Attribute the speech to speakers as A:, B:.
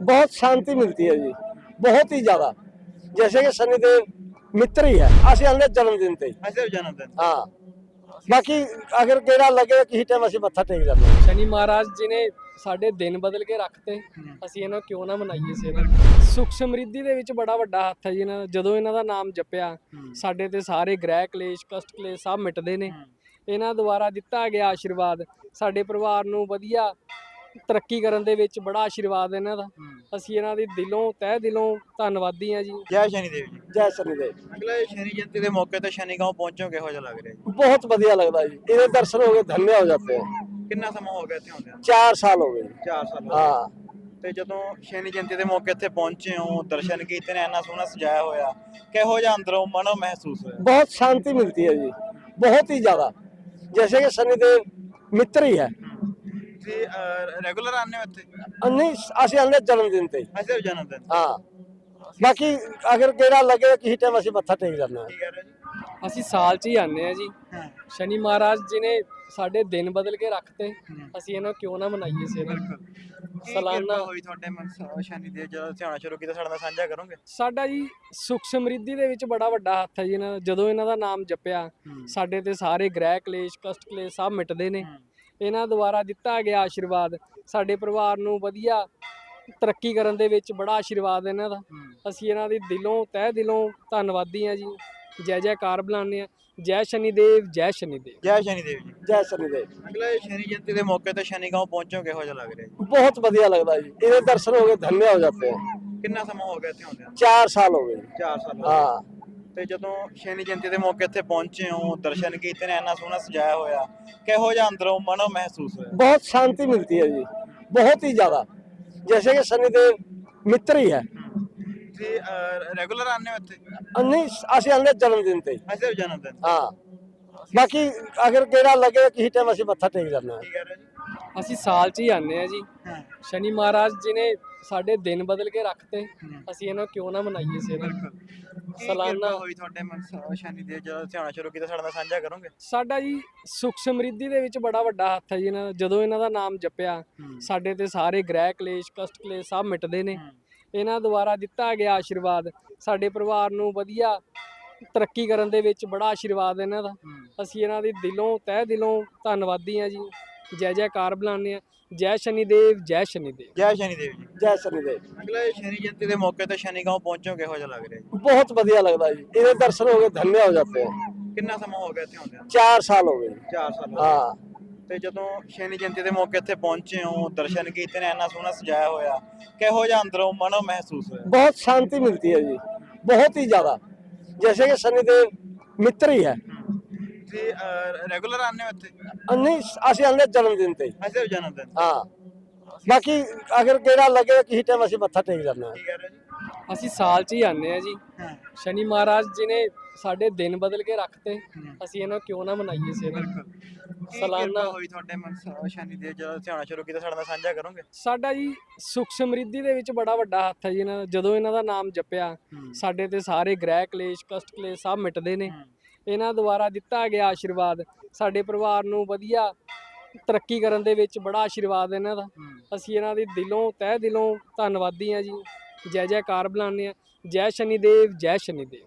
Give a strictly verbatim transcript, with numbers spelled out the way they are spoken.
A: बहुत शांति मिलती है जी, बहुत ही ज्यादा। जैसे कि शनिदेव मित्र ही है, असं हमने जन्मदिन ते ही।
B: ਅੱਛਾ ਜਨਮ ਦਿਨ
A: हाँ, बाकी अगर गेड़ा लगे किसी टाइम ਅਸੀਂ ਮੱਥਾ ਟੇਕ ਜਾਂਦੇ ਹਾਂ।
C: ਸ਼ਨੀ ਮਹਾਰਾਜ ਜੀ ਨੇ ਸਾਡੇ ਦਿਨ ਬਦਲ ਕੇ ਰੱਖਤੇ, ਅਸੀਂ ਇਹਨਾਂ ਕਿਉਂ ਨਾ ਮਨਾਈਏ ਸੇਵਾ। ਸੁਖ ਸਮਰਿੱਧੀ ਦੇ ਵਿੱਚ ਬੜਾ ਵੱਡਾ ਹੱਥ ਹੈ ਜੀ ਇਹਨਾਂ ਦਾ। ਜਦੋਂ ਇਹਨਾਂ ਦਾ ਨਾਮ ਜਪਿਆ ਸਾਡੇ ਤੇ ਸਾਰੇ ਗ੍ਰਹਿ ਕਲੇਸ਼ ਕਸ਼ਟ ਕਲੇਸ਼ ਸਭ ਮਿਟਦੇ ਨੇ। ਇਹਨਾਂ ਦੁਆਰਾ ਦਿੱਤਾ ਗਿਆ ਆਸ਼ੀਰਵਾਦ ਸਾਡੇ ਪਰਿਵਾਰ ਨੂੰ ਵਧੀਆ ਤਰੱਕੀ ਕਰਨ ਦੇ ਵਿੱਚ ਬੜਾ ਆਸ਼ੀਰਵਾਦ ਇਹਨਾਂ ਦਾ। ਅਸੀਂ ਇਹਨਾਂ ਦੀ ਦਿਲੋਂ ਤਹਿ ਦਿਲੋਂ ਧੰਨਵਾਦੀ ਹਾਂ ਜੀ।
B: ਜੈ ਸ਼ਨੀ ਦੇਵ ਜੀ।
A: ਜੈ ਸ਼ਨੀदेव।
B: ਅਗਲਾ ਇਹ ਸ਼ਨੀ ਜਯੰਤੀ ਦੇ ਮੌਕੇ ਤੇ ਸ਼ਨੀ ਗਾਉਂ ਪਹੁੰਚੋ ਕਿਹੋ ਜਿਹਾ ਲੱਗ ਰਿਹਾ ਜੀ?
A: बहुत बढ़िया लगता है जी, ਇਹਦੇ दर्शन हो गए धन्य हो जाते हैं।
B: ਕਿੰਨਾ ਸਮਾਂ ਹੋ ਗਿਆ ਇੱਥੇ ਆਉਂਦਿਆਂ?
A: चार साल हो गए।
B: ਚਾਰ ਸਾਲ ਹੋ ਗਏ।
A: हाँ,
B: ਤੇ ਜਦੋਂ ਸ਼ਨੀ ਜਯੰਤੀ ਦੇ ਮੌਕੇ ਇੱਥੇ ਪਹੁੰਚੇ ਹੋ ਦਰਸ਼ਨ ਕੀਤੇ ਨੇ ਇੰਨਾ ਸੋਹਣਾ ਸਜਾਇਆ ਹੋਇਆ ਕਿਹੋ ਜਿਹਾ ਅੰਦਰੋਂ ਮਨੋਂ ਮਹਿਸੂਸ ਹੋਇਆ?
A: बहुत शांति मिलती है जी, बहुत ही ज्यादा। जैसे कि शनिदेव मित्र ही है।
B: ਤੁਸੀਂ ਰੈਗੂਲਰ ਆਉਂਦੇ ਹੋ ਇੱਥੇ?
A: नहीं, ਅਸੀਂ हमने जन्मदिन ਤੇ ਹੀ।
B: ਅੱਛਾ ਜਨਮ ਦਿਨ
A: हाँ, बाकी अगर गेड़ा लगे किसी टाइम ਅਸੀਂ ਮੱਥਾ ਟੇਕ ਜਾਂਦੇ ਹਾਂ।
B: ਕੀ ਕਹਿ ਰਹੇ ਜੀ?
C: ਅਸੀਂ ਸਾਲ 'ਚ ਹੀ ਆਉਂਦੇ ਹਾਂ ਜੀ।
B: ਹਾਂ
C: ਸ਼ਨੀ ਮਹਾਰਾਜ ਜੀ ਨੇ ਸਾਡੇ ਦਿਨ ਬਦਲ ਕੇ ਰੱਖਤੇ,
B: ਹਮ।
C: ਅਸੀਂ ਇਹਨਾਂ ਕਿਉਂ ਨਾ ਮਨਾਈਏ ਸੇਵਾ।
B: ਕੀ
C: ਸਾਲਾਨਾ-
B: ਕਿਰਪਾ ਹੋਈ ਤੁਹਾਡੇ ਮਨ ਸ਼ਨੀ ਦੇ ਜਦੋਂ ਧਿਆਨ ਸ਼ੁਰੂ ਕੀਤਾ ਸਾਡੇ ਨਾਲ ਸਾਂਝਾ ਕਰੋਗੇ?
C: ਸਾਡਾ ਜੀ ਸੁਖ ਸਮਰਿੱਧੀ ਦੇ ਵਿੱਚ ਬੜਾ ਵੱਡਾ ਹੱਥ ਹੈ ਜੀ ਇਹਨਾਂ ਦਾ। ਜਦੋਂ ਇਹਨਾਂ ਦਾ ਨਾਮ ਜਪਿਆ ਸਾਡੇ ਤੇ ਸਾਰੇ ਗ੍ਰਹਿ ਕਲੇਸ਼ ਕਸ਼ਟ ਕਲੇਸ਼ ਸਭ ਮਿਟਦੇ ਨੇ। ਇਹਨਾਂ ਦੁਆਰਾ ਦਿੱਤਾ ਗਿਆ ਆਸ਼ੀਰਵਾਦ ਸਾਡੇ ਪਰਿਵਾਰ ਨੂੰ ਵਧੀਆ ਤਰੱਕੀ ਕਰਨ ਦੇ ਵਿੱਚ ਬੜਾ ਆਸ਼ੀਰਵਾਦ ਇਹਨਾਂ ਦਾ। ਅਸੀਂ ਇਹਨਾਂ ਦੀ ਦਿਲੋਂ ਤਹਿ ਦਿਲੋਂ ਧੰਨਵਾਦੀ ਹਾਂ ਜੀ। ਜੈ ਜੈਕਾਰ ਬੁਲਾਉਂਦੇ ਹਾਂ। ਜੈ ਸ਼ਨੀदेव, ਜੈ ਸ਼ਨੀदेव।
B: ਜੈ ਸ਼ਨੀ ਦੇਵ ਜੀ।
A: ਜੈ ਸ਼ਨੀदेव।
B: ਅਗਲਾ ਇਹ ਸ਼ਨੀ ਜਯੰਤੀ ਦੇ ਮੌਕੇ ਤੇ ਸ਼ਨੀ ਗਾਉਂ ਪਹੁੰਚੋ ਕਿਹੋ ਜਿਹਾ ਲੱਗ ਰਿਹਾ ਜੀ?
A: बहुत बढ़िया लगता है जी, ਇਹਦੇ दर्शन हो गए धन्य हो जाते हैं।
B: ਕਿੰਨਾ ਸਮਾਂ ਹੋ ਗਿਆ ਇੱਥੇ ਆਉਂਦਿਆਂ?
A: चार साल हो गए।
B: ਚਾਰ ਸਾਲ ਹੋ ਗਏ।
A: हाँ,
B: ਤੇ ਜਦੋਂ ਸ਼ਨੀ ਜਯੰਤੀ ਦੇ ਮੌਕੇ ਇੱਥੇ ਪਹੁੰਚੇ ਹੋ ਦਰਸ਼ਨ ਕੀਤੇ ਨੇ ਇੰਨਾ ਸੋਹਣਾ ਸਜਾਇਆ ਹੋਇਆ ਕਿਹੋ ਜਿਹਾ ਅੰਦਰੋਂ ਮਨੋਂ ਮਹਿਸੂਸ ਹੋਇਆ?
A: बहुत शांति मिलती है जी, बहुत ही ज्यादा। जैसे कि शनिदेव मित्र ही है।
B: ਤੁਸੀਂ ਰੈਗੂਲਰ ਆਉਂਦੇ ਹੋ ਇੱਥੇ?
A: नहीं, ਅਸੀਂ हमने जन्मदिन ਤੇ ਹੀ।
B: ਅੱਛਾ ਜਨਮ ਦਿਨ
A: हाँ, बाकी अगर गेड़ा लगे किसी टाइम ਅਸੀਂ ਮੱਥਾ ਟੇਕ ਜਾਂਦੇ ਹਾਂ।
B: ਕੀ ਕਹਿ ਰਹੇ ਜੀ?
C: ਅਸੀਂ ਸਾਲ 'ਚ ਹੀ ਆਉਂਦੇ ਹਾਂ ਜੀ।
B: ਹਾਂ
C: ਸ਼ਨੀ ਮਹਾਰਾਜ ਜੀ ਨੇ ਸਾਡੇ ਦਿਨ ਬਦਲ ਕੇ ਰੱਖਤੇ,
B: ਹਮ।
C: ਅਸੀਂ ਇਹਨਾਂ ਕਿਉਂ ਨਾ ਮਨਾਈਏ ਸੇਵਾ।
B: ਕੀ
C: ਸਾਲਾਨਾ-
B: ਕਿਰਪਾ ਹੋਈ ਤੁਹਾਡੇ ਮਨ ਸ਼ਨੀ ਦੇ ਜਦੋਂ ਧਿਆਨ ਸ਼ੁਰੂ ਕੀਤਾ ਸਾਡੇ ਨਾਲ ਸਾਂਝਾ ਕਰੋਗੇ?
C: ਸਾਡਾ ਜੀ ਸੁਖ ਸਮਰਿੱਧੀ ਦੇ ਵਿੱਚ ਬੜਾ ਵੱਡਾ ਹੱਥ ਹੈ ਜੀ ਇਹਨਾਂ ਦਾ। ਜਦੋਂ ਇਹਨਾਂ ਦਾ ਨਾਮ ਜਪਿਆ ਸਾਡੇ ਤੇ ਸਾਰੇ ਗ੍ਰਹਿ ਕਲੇਸ਼ ਕਸ਼ਟ ਕਲੇਸ਼ ਸਭ ਮਿਟਦੇ ਨੇ। ਇਹਨਾਂ ਦੁਆਰਾ ਦਿੱਤਾ ਗਿਆ ਆਸ਼ੀਰਵਾਦ ਸਾਡੇ ਪਰਿਵਾਰ ਨੂੰ ਵਧੀਆ ਤਰੱਕੀ ਕਰਨ ਦੇ ਵਿੱਚ ਬੜਾ ਆਸ਼ੀਰਵਾਦ ਇਹਨਾਂ ਦਾ। ਅਸੀਂ ਇਹਨਾਂ ਦੀ ਦਿਲੋਂ ਤਹਿ ਦਿਲੋਂ ਧੰਨਵਾਦੀ ਹਾਂ ਜੀ। ਜੈ ਜੈਕਾਰ ਬੁਲਾਉਂਦੇ ਹਾਂ। ਜੈ ਸ਼ਨੀदेव, ਜੈ ਸ਼ਨੀदेव।
B: ਜੈ ਸ਼ਨੀ ਦੇਵ ਜੀ।
A: ਜੈ ਸ਼ਨੀदेव।
B: ਅਗਲਾ ਇਹ ਸ਼ਨੀ ਜਯੰਤੀ ਦੇ ਮੌਕੇ ਤੇ ਸ਼ਨੀ ਗਾਉਂ ਪਹੁੰਚੋ ਕਿਹੋ ਜਿਹਾ ਲੱਗ ਰਿਹਾ ਜੀ?
A: बहुत बढ़िया लगता है जी, ਇਹਦੇ दर्शन हो गए धन्य हो जाते हैं।
B: ਕਿੰਨਾ ਸਮਾਂ ਹੋ ਗਿਆ ਇੱਥੇ ਆਉਂਦਿਆਂ?
A: चार साल हो गए।
B: ਚਾਰ ਸਾਲ ਹੋ ਗਏ।
A: हाँ,
B: ਤੇ ਜਦੋਂ ਸ਼ਨੀ ਜਯੰਤੀ ਦੇ ਮੌਕੇ ਇੱਥੇ ਪਹੁੰਚੇ ਹੋ ਦਰਸ਼ਨ ਕੀਤੇ ਨੇ ਇੰਨਾ ਸੋਹਣਾ ਸਜਾਇਆ ਹੋਇਆ ਕਿਹੋ ਜਿਹਾ ਅੰਦਰੋਂ ਮਨੋਂ ਮਹਿਸੂਸ ਹੋਇਆ?
A: बहुत शांति मिलती है जी, बहुत ही ज्यादा। जैसे कि शनिदेव मित्र ही है।
B: ਤੁਸੀਂ ਰੈਗੂਲਰ ਆਉਂਦੇ ਹੋ ਇੱਥੇ?
A: नहीं, ਅਸੀਂ हमने जन्मदिन ਤੇ ਹੀ।
B: ਅੱਛਾ ਜਨਮ ਦਿਨ
A: हाँ, बाकी अगर गेड़ा लगे किसी टाइम ਅਸੀਂ ਮੱਥਾ ਟੇਕ ਜਾਂਦੇ ਹਾਂ।
B: ਕੀ ਕਹਿ ਰਹੇ ਜੀ?
C: ਅਸੀਂ ਸਾਲ 'ਚ ਹੀ ਆਉਂਦੇ ਹਾਂ ਜੀ।
B: ਹਾਂ
C: ਸ਼ਨੀ ਮਹਾਰਾਜ ਜੀ ਨੇ ਸਾਡੇ ਦਿਨ ਬਦਲ ਕੇ ਰੱਖਤੇ,
B: ਹਮ।
C: ਅਸੀਂ ਇਹਨਾਂ ਕਿਉਂ ਨਾ ਮਨਾਈਏ ਸੇਵਾ।
B: ਕੀ
C: ਸਾਲਾਨਾ-
B: ਕਿਰਪਾ ਹੋਈ ਤੁਹਾਡੇ ਮਨ ਸ਼ਨੀ ਦੇ ਜਦੋਂ ਧਿਆਨ ਸ਼ੁਰੂ ਕੀਤਾ ਸਾਡੇ ਨਾਲ ਸਾਂਝਾ ਕਰੋਗੇ?
C: ਸਾਡਾ ਜੀ ਸੁਖ ਸਮਰਿੱਧੀ ਦੇ ਵਿੱਚ ਬੜਾ ਵੱਡਾ ਹੱਥ ਹੈ ਜੀ ਇਹਨਾਂ ਦਾ। ਜਦੋਂ ਇਹਨਾਂ ਦਾ ਨਾਮ ਜਪਿਆ ਸਾਡੇ ਤੇ ਸਾਰੇ ਗ੍ਰਹਿ ਕਲੇਸ਼ ਕਸ਼ਟ ਕਲੇਸ਼ ਸਭ ਮਿਟਦੇ ਨੇ। ਇਹਨਾਂ ਦੁਆਰਾ ਦਿੱਤਾ ਗਿਆ ਆਸ਼ੀਰਵਾਦ ਸਾਡੇ ਪਰਿਵਾਰ ਨੂੰ ਵਧੀਆ ਤਰੱਕੀ ਕਰਨ ਦੇ ਵਿੱਚ ਬੜਾ ਆਸ਼ੀਰਵਾਦ ਇਹਨਾਂ ਦਾ। ਅਸੀਂ ਇਹਨਾਂ ਦੀ ਦਿਲੋਂ ਤਹਿ ਦਿਲੋਂ ਧੰਨਵਾਦੀ ਹਾਂ ਜੀ। ਜੈ ਜੈਕਾਰ ਬੁਲਾਉਂਦੇ ਹਾਂ। ਜੈ ਸ਼ਨੀदेव, ਜੈ ਸ਼ਨੀदेव।